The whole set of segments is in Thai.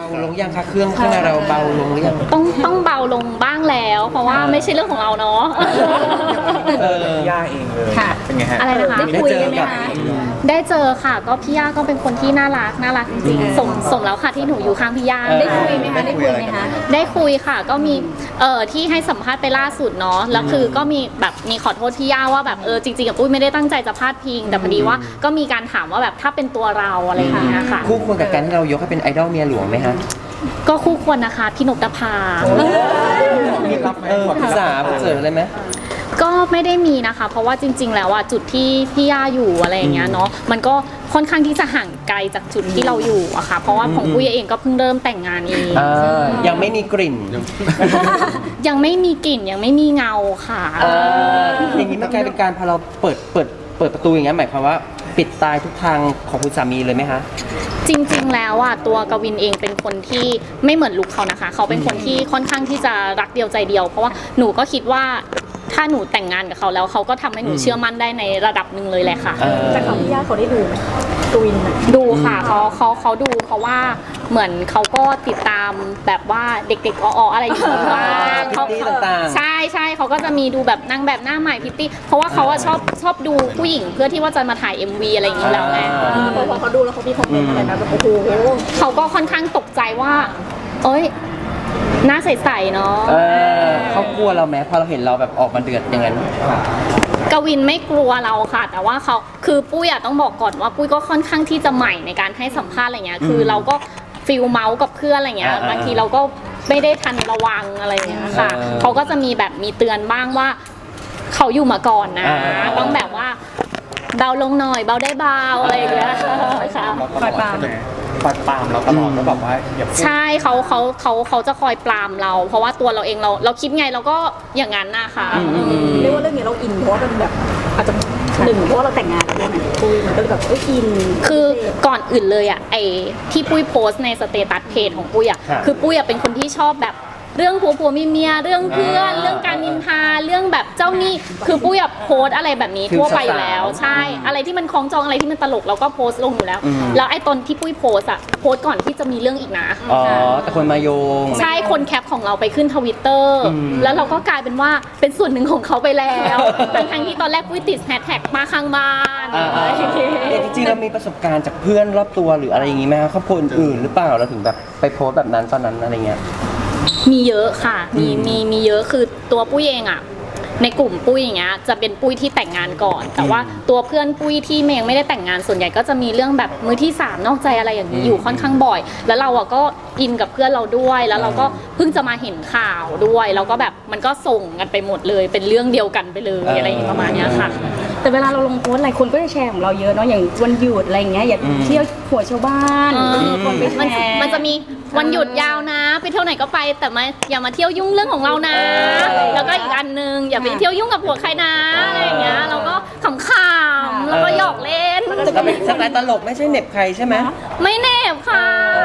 าลงยังคะเครื่องข้างในเราเบาลงหรือยังต้องเบาลงบ้างแล้ว เพราะว่าไม่ใช่เรื่องของเราเนาะย่าเองเลยเป็นไงฮะอะไรนะคะได้เจอกับได้เจอค่ะก็พี่ย่าก็เป็นคนที่น่ารักจริงๆสมแล้วค่ะที่หนูอยู่ข้างพี่ย่าได้คุยไหมคะได้คุยไหมคะได้คุยค่ะก็มีที่ให้สัมภาษณ์ไปล่าสุดเนาะแล้วคือก็มีแบบมีขอโทษพี่ย่าว่าแบบจริงๆกับปุ้ยไม่ได้ตั้งใจจะพาดพิงแต่พอดีว่าก็มีการถามว่าแบบถ้าเป็นตัวเราอะไรอย่างเงี้ยค่ะคู่ควรกับการที่เรายกให้เป็นไอดอลเมียหลวงไหมฮะก็คู่ควรนะคะพี่นกนภามีรับไหมปรึกษาเจออะไรไหมก็ไม่ได้มีนะคะ เพราะว่าจริง ๆ แล้วอ่ะจุดที่พี่ย่าอยู่อะไรอย่างเงี้ยเนาะมันก็ค่อนข้างที่จะห่างไกลจากจุดที่เราอยู่อะค่ะเพราะว่าของปุ้ยเองก็เพิ่งเริ่มแต่งงานเองยังไม่มีกลิ่นยังไม่มีกลิ่นยังไม่มีเงาค่ะอย่างนี้มันกลายเป็นการพอเราเปิดประตูอย่างเงี้ยหมายความว่าปิดตายทุกทางของคุณสามีเลยไหมคะจริงๆ แล้วอ่ะตัวกวินเองเป็นคนที่ไม่เหมือนลุคเขานะคะ เขาเป็นคนที่ค่อนข้างที่จะรักเดียวใจเดียว เพราะว่าหนูก็คิดว่าถ้าหนูแต่งงานกับเขาแล้วเขาก็ทำให้หนูเชื่อมั่นได้ในระดับหนึ่งเลยแหละค่ะแต่ของพี่ย่าเขาได้ดูไหมกวินดูค่ะเขาดูเพราะว่าเหมือนเขาก็ติดตามแบบว่าเด็กๆออะไรอยู่บ้างพิตตี้ต่างๆใช่เขาก็จะมีดูแบบนางแบบหน้าใหม่พิตตี้เพราะว่าเขาอะชอบดูผู้หญิงเพื่อที่ว่าจะมาถ่าย MV อะไรอย่างนี้แล้วไงพอเขาดูแล้วเขามีคอมเมนต์อะไรนะแบบโอ้โหเขาก็ค่อนข้างตกใจว่าเอ้ยหน้าใสๆเนาะเขากลัวเราไหมพอเราเห็นเราแบบออกมาเดือดอย่างนั้นกวินไม่กลัวเราค่ะ แต่ว่าเขาคือปุ้ยอะต้องบอกก่อนว่าปุ้ยก็ค่อนข้างที่จะใหม่ในการให้สัมภาษณ์อะไรเงี้ยคือเราก็ฟิลเมาส์กับเพื่อนอะไรเงี้ยบางทีเราก็ไม่ได้ทันระวังอะไรเงี้ยค่ะเขาก็จะมีแบบมีเตือนบ้างว่าเขาอยู่มาก่อนนะต้องแบบว่าเบาลงหน่อยเบาได้เบาอะไรอย่างเงี้ยค่ะปล่อยปามเราตลอดแล้วแบบว่าอย่าพูดใช่เขาจะคอยปรามเรา เพราะว่าตัวเราเองเราคิดไงเราก็อย่างนั้นนะคะเรียกว่าเรื่องนี้เราอินเพราะว่าเป็นแบบอาจจะหนึ่งเพราะว่าเราแต่งงานแล้วด้วยนะคุยมันก็เลยแบบอินคือก่อนอื่นเลยอ่ะไอ้ที่ปุ้ยโพสต์ในสเตตัสเพจของปุ้ยอ่ะคือปุ้ยอ่ะเป็นคนที่ชอบแบบเรื่องผัวเมียเรื่องเพื่อนเรื่องการนินทาเรื่องแบบเจ้าหนี้คือปุ้ยอ่ะโพสต์อะไรแบบนี้ทั่วไปอยู่แล้วใช่อะไรที่มันคล้องจองอะไรที่มันตลกเราก็โพสต์ลงอยู่แล้วแล้วไอ้ตอนที่ปุ้ยโพสต์อ่ะโพสต์ก่อนที่จะมีเรื่องอีกนะอ๋อแต่คนมาโยงใช่คนแคปของเราไปขึ้น Twitter แล้วเราก็กลายเป็นว่าเป็นส่วนหนึ่งของเขาไปแล้วทั้งที่ตอนแรกปุ้ยติดแฮชแท็กมาข้างบ้านอะไรอย่างเงี้ยแต่จริงๆเรามีประสบการณ์จากเพื่อนรอบตัวหรืออะไรอย่างงี้ไหมครับครอบครัวอื่นๆหรือเปล่าเราถึงแบบไปโพสต์แบบนั้นตอนนั้นอะไรเงี้ยมีเยอะค่ะ มีเยอะคือตัวปุ้ยเองอ่ะในกลุ่มปุ้ยอย่างเงี้ยจะเป็นปุ้ยที่แต่งงานก่อน แต่ว่าตัวเพื่อนปุ้ยที่เมงไม่ได้แต่งงานส่วนใหญ่ก็จะมีเรื่องแบบมือที่3นอกใจอะไรอย่างนี้อยู่ค่อนข้างบ่อย แล้วเราอ่ะก็อินกับเพื่อนเราด้วยแล้วเราก็เพิ่งจะมาเห็นข่าวด้วยแล้วก็แบบมันก็ส่งกันไปหมดเลยเป็นเรื่องเดียวกันไปเลยอะไรอย่างประมาณเนี้ยค่ะแต่เวลาเราลงโพสต์อะไรคนก็จะแชร์ของเราเยอะเนาะอย่างวันหยุดอะไรอย่างเงี้ยอย่าเที่ยวหัวชาวบ้านมีคนไปแชร์มันจะมีวันหยุดยาวนะไปเที่ยวไหนก็ไปแต่อย่ามาเที่ยวยุ่งเรื่องของเรานะ แล้วก็อีกอันนึงอย่าไปเที่ยวยุ่งกับผัวใครนะอะไรอย่างเงี้ยเราก็ขำๆแล้วก็หยอกเล่นเราเป็นสไตล์ตลกไม่ใช่เหน็บใครใช่ไหมไม่เนบค่ะ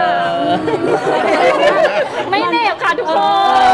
ไม่เนบค่ะทุกคน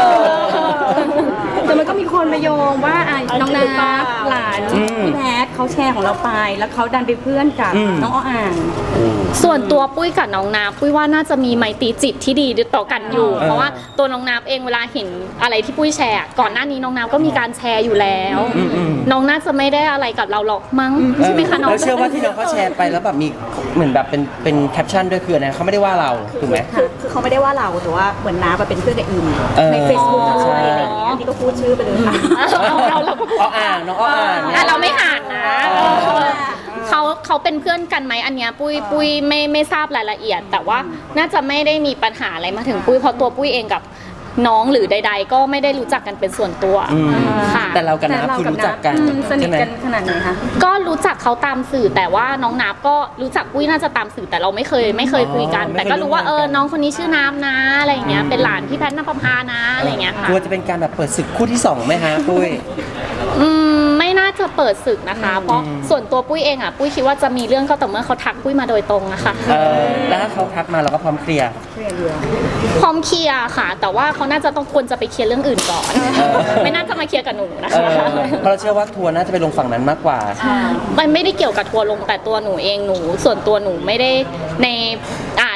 แต่มันก็มีคนมาโยงว่าน้องนาหลานพี่แพทเขาแชร์ของเราไปแล้วเขาดันไปเพื่อนกับน้องอ้ออ่างส่วนตัวปุ้ยกับน้องนาปุ้ยว่าน่าจะมีไมตรีจิตที่ดีต่อกันอยู่ เพราะว่าตัวน้องนาเองเวลาเห็นอะไรที่ปุ้ยแชร์ก่อนหน้านี้น้องนาก็มีการแชร์อยู่แล้ว น้องน่าจะไม่ได้อะไรกับเราหรอกมั้งใช่ไหมคะน้องแล้วเชื่อว่าที่น้องเขาแชร์ไปแล้วแบบมีเหมือนแบบเป็นแคปชั่นด้วยคืออะไรเขาไม่ได้ว่าเราถูกไหมคือเขาไม่ได้ว่าเราแต่ว่าเหมือนน้าเป็นเพื่อนกับอินใน Facebook อะไรอย่างเงี้ยนี่ก็พูดชื่อไปเลยค่ะเราก็พูดอ้ออ่างน้องอ้ออ่างเนี่ยเราไม่ห่างนะเขาเป็นเพื่อนกันไหมอันเนี้ยปุ้ยไม่ทราบรายละเอียด แต่ว่าน่าจะไม่ได้มีปัญหาอะไรมาถึงปุ้ยเพราะตัวปุ้ยเองกับน้องหรือใด ๆ ก็ไม่ได้รู้จักกันเป็นส่วนตัวค่ะแต่เรากับน้าคือรู้จักกันสนิทใช่ไหมกันขนาดไหนคะก็รู้จักเขาตามสื่อแต่ว่าน้องนับก็รู้จักปุ้ยน่าจะตามสื่อแต่เราไม่เคยคุยกัน แต่ก็รู้ว่าน้องคนนี้ชื่อน้ำนะอะไรอย่างเงี้ยเป็นหลานพี่แพทย์นภพานะอะไรอย่างเงี้ยค่ะกลัวจะเป็นการแบบเปิดศึกคู่ที่2ไหมฮะปุ้ยไม่น่าจะเปิดศึกนะคะ เพราะส่วนตัวปุ้ยเองอ่ะปุ้ยคิดว่าจะมีเรื่องก็ต่อเมื่อเขาทักปุ้ยมาโดยตรงอะค่ะแล้วถ้าเขาทักมาเราก็พร้อมเคลียร์พร้อมเคลียร์ค่ะ แต่ว่าเขาน่าจะต้องควรจะไปเคลียร์เรื่องอื่นก่อน ไม่น่าจะมาเคลียร์กับหนูนะคะเพราะเราเชื่อว่าทัวร์น่าจะไปลงฝั่งนั้นมากกว่ามันไม่ได้เกี่ยวกับทัวร์ลงแต่ตัวหนูเองส่วนตัวหนูไม่ได้ใน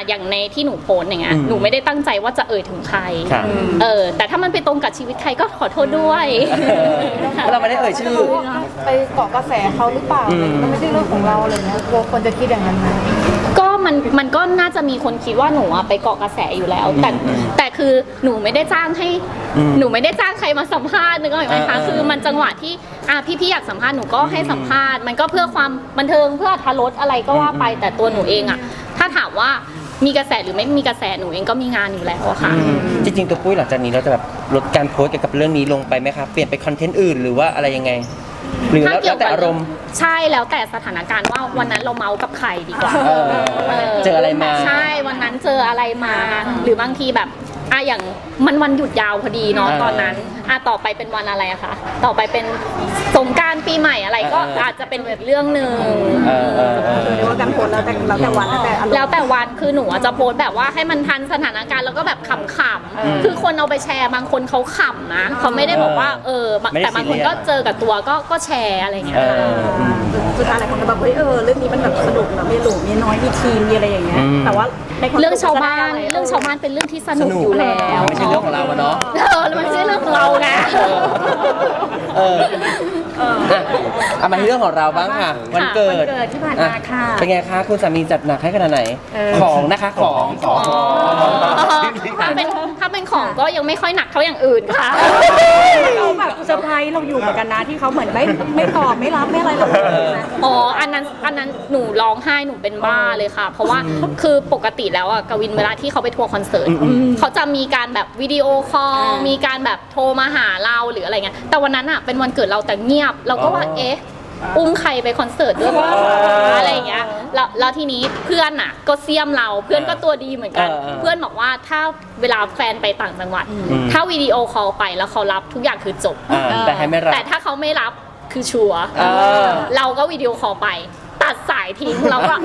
อย่างในที่หนูโพสต์อย่างเงี้ยหนูไม่ได้ตั้งใจว่าจะถึงใครครับแต่ถ้ามันไปตรงกับชีวิตใครก็ขอโทษด้วยเพราะเราไม่ได้เอ่ยชื่อไปเกาะกระแสเขาหรือเปล่ามันไม่ใช่เรื่องของเราอะไรเงี้ยกลัวคนจะคิดอย่างนั้นไหมก็มันก็น่าจะมีคนคิดว่าหนูอะไปเกาะกระแสอยู่แล้ว แต่คือหนูไม่ได้จ้างให้หนูไม่ได้จ้างใครมาสัมภาษณ์นึกออกไหมคะคือมันจังหวะที่พี่อยากสัมภาษณ์หนูก็ให้สัมภาษณ์มันก็เพื่อความบันเทิงเพื่ออรรถรสอะไรก็ว่าไปแต่ตัวหนูเองอะถ้าถามว่ามีกระแสหรือไม่มีกระแสหนูเองก็มีงานอยู่แล้วอะค่ะจริงๆตัวปุ้ยหลังจากนี้เราจะแบบลดการโพสต์เกี่ยวกับเรื่องนี้ลงไปไหมครับเปลี่ยนไปคอนเทนต์อื่นหรือว่าอะไรยังไง หรือแล้วแต่อารมณ์ใช่แล้วแต่สถานการณ์ว่าวันนั้นเราเมากับใครดีกว่าเจออะไรมาใช่วันนั้นเจออะไรมา หรือบางทีแบบอย่างมันวันหยุดยาวพอดีเนาะตอนนั้นต่อไปเป็นวันอะไรอะคะต่อไปเป็นสงกรานต์ปีใหม่อะไรก็อาจจะเป็นแบบเรื่องหนึ่งเรียกว่าการโพสต์แล้วแต่วันแล้วแต่อารมณ์แล้วแต่วันคือหนูจะโพสต์แบบว่าให้มันทันสถานการณ์แล้วก็แบบขำๆคือคนเอาไปแชร์บางคนเขาขำนะเขาไม่ได้บอกว่าแต่บางคนก็เจอกับตัวก็แชร์อะไรอย่างเงี้ยค่ะสุดท้ายหลายคนก็แบบเฮ้ยเรื่องนี้มันแบบสนุกนะมีหลูมีน้อยมีทีมมีอะไรอย่างเงี้ยแต่ว่าในความเรื่องชาวบ้านเป็นเรื่องที่สนุกอยู่แล้วไม่ใช่เรื่องของเราอะเนาะมันไม่ใช่เรื่องของเราไงเอามาที่เรื่องของเราบ้างค่ะ วันเกิดที่ผ่านมาค่ะเป็นไงคะคุณสามีจัดหนักให้ขนาดไหน ของนะคะของถ้าเป็นของก็ยังไม่ค่อยหนักเท่าอย่างอื่นค่ะเราแบบเซอร์ไพรส์เราอยู่เหมือนกันนะที่เขาเหมือนไม่ตอบไม่รับไม่อะไรเรานะอ๋ออันนั้นหนูร้องไห้หนูเป็นบ้าเลยค่ะ เพราะว่าคือปกติแล้วกวินเวลาที่เขาไปทัวร์คอนเสิร์ตเขาจะมีการแบบวิดีโอคอลมีการแบบโทรมาหาเราหรืออะไรเงี้ยแต่วันนั้นเป็นวันเกิดเราแต่เงียบเราก็ว่าอุ้มใครไปคอนเสิร์ตด้วยวะอะไรอย่างเงี้ยแล้วทีนี้เพื่อนก็เสียมเราเพื่อนก็ตัวดีเหมือนกัน เพื่อนบอกว่าถ้าเวลาแฟนไปต่างจังหวัด ถ้าวิดีโอคอลไปแล้วเขารับทุกอย่างคือจบแต่ให้ไม่รับแต่ถ้าเขาไม่รับคือชัวร์เราก็วิดีโอคอลไป ตัดสายทิ้งเราก็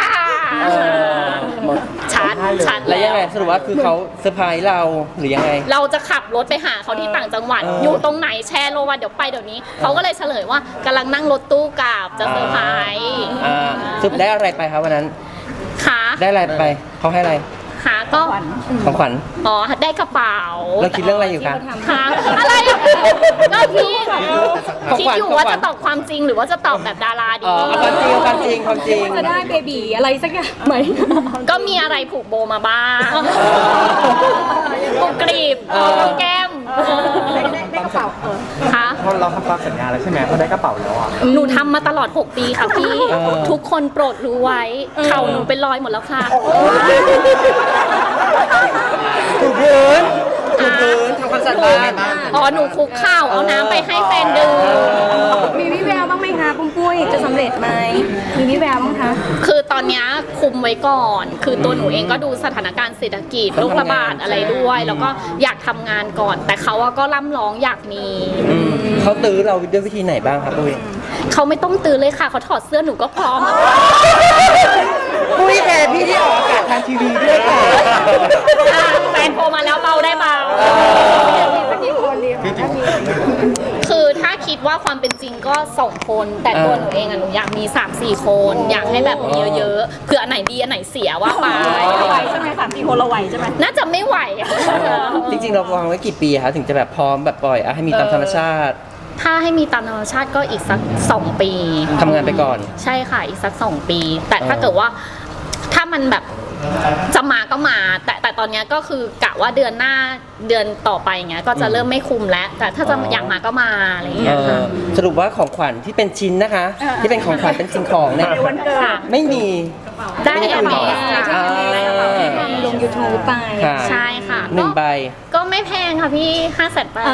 ชัดแล้วยังไงสรุปว่าคือเขาเซอร์ไพรส์เราหรือยังไงเราจะขับรถไปหาเขาที่ต่างจังหวัด อยู่ตรงไหนแชร์โลวันเดี๋ยวไปเดี๋ยวนี้เขาก็เลยเฉลยว่ากำลังนั่งรถตู้กลับจะเซอร์ไพรส์สรุปได้อะไรไปครับวันนั้นค่ะได้อะไรไปเขาให้อะไรค่ะก็ของขวัญได้กระเป๋าเราคิดเรื่องอะไรอยู่คะค่ะอะไรก็พี่คิดอยู่ว่าจะตอบความจริงหรือว่าจะตอบแบบดาราดีความจริงจะได้เบบีอะไรสักอย่างไหมก็มีอะไรผูกโบมาบ้างกุกรีบแก้มได้กระเป๋าค่ะเราทำตามสัญญาแล้วใช่ไหมเขาได้กระเป๋าแล้วอ่ะหนูทำมาตลอด 6 ปีค่ะพี่ ทุกคนโปรดรู้ไว้ เข่าหนูเป็นรอยหมดแล้วค่ะถูกพื้นทำความสะอาดบ้านหนูคุกข้าวเอาน้ำไปให้แฟนดื่มมีวิแววบ้างไหมคะปุ้มปุ้ยจะสำเร็จไหมมีวิแววบ้างคะคือตอนนี้คุมไว้ก่อน คือตัวหนูเองก็ดูสถานการณ์เศรษฐกิจโรคระบาดอะไรด้วย แล้วก็อยากทำงานก่อน แต่เขาก็ร่ำร้องอยากมีเขาตื้อเราด้วยวิธีไหนบ้างครับปุ้ยเขาไม่ต้องตื่นเลยค่ะเขาถอดเสื้อหนูก็พร้อมปุ้ยแทนพี่ที่ออกอากาศทางทีวีด้วยค่ะแฟนโทรมาแล้วเบาได้เบาคือถ้าคิดว่าความเป็นจริงก็2 คน แต่ตัวหนูเองหนูอยากมี 3-4 คน อยากให้แบบมีเยอะๆเผื่ออันไหนดีอันไหนเสียว่าไปไหวใช่ไหม3-4 คนเราไหวใช่ไหมน่าจะไม่ไหวจริงๆเราวางไว้กี่ปีคะถึงจะแบบพร้อมแบบปล่อยให้มีตามธรรมชาติถ้าให้มีตามธรรมชาติก็อีกสัก2 ปีทำงานไปก่อนใช่ค่ะอีกสัก2 ปี แต่ถ้าเกิดว่าถ้ามันแบบจะมาก็มา แต่ตอนนี้ก็คือกะว่าเดือนหน้าเดือนต่อไปเงี้ยก็จะเริ่มไม่คุมแล้ว แต่ถ้าจะอยากมาก็มาอะไรอย่างเงี้ยค่ะสรุปว่าของขวัญที่เป็นชิ้นนะคะ ที่เป็นของขวัญเป็นสิ่งของเนี่ยค่ะไม่มีได้แอมเมสลง YouTube ไปค่ะใช่ค่ะ 1 ใบก็ไม่แพงค่ะพี่500,000 บาท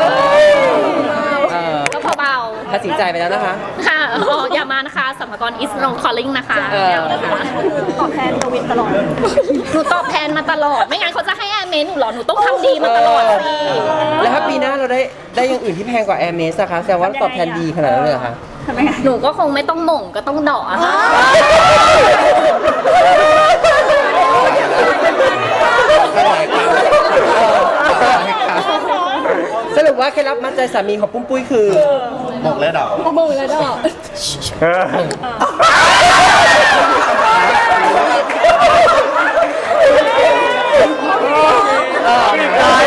ก็เบาตัดสินใจไปแล้วนะคะๆค่ะอย่ามานะคะสัมภากระ is no calling นะคะไม่เอานะคะตอบแทนกวินตลอดหนูตอบแทนมาตลอด ไม่งั้นเขาจะให้แอร์เมสหนูหรอหนูต้องทำดีมาตลอดสิแล้วถ้าปีหน้าเราได้อย่างอื่นที่แพงกว่า Air m e s นะคะแสดงว่าตอบแทนดีขนาดนั้นเลยเหรอคะหนูก็คงไม่ต้องหม่งก็ต้องเดาะอะค่ะสรุปว่าเคล็ดลับมัดใจสามีของปุ้มปุ้ยคือบอกแล้วดอกโมงแล้วดอกได้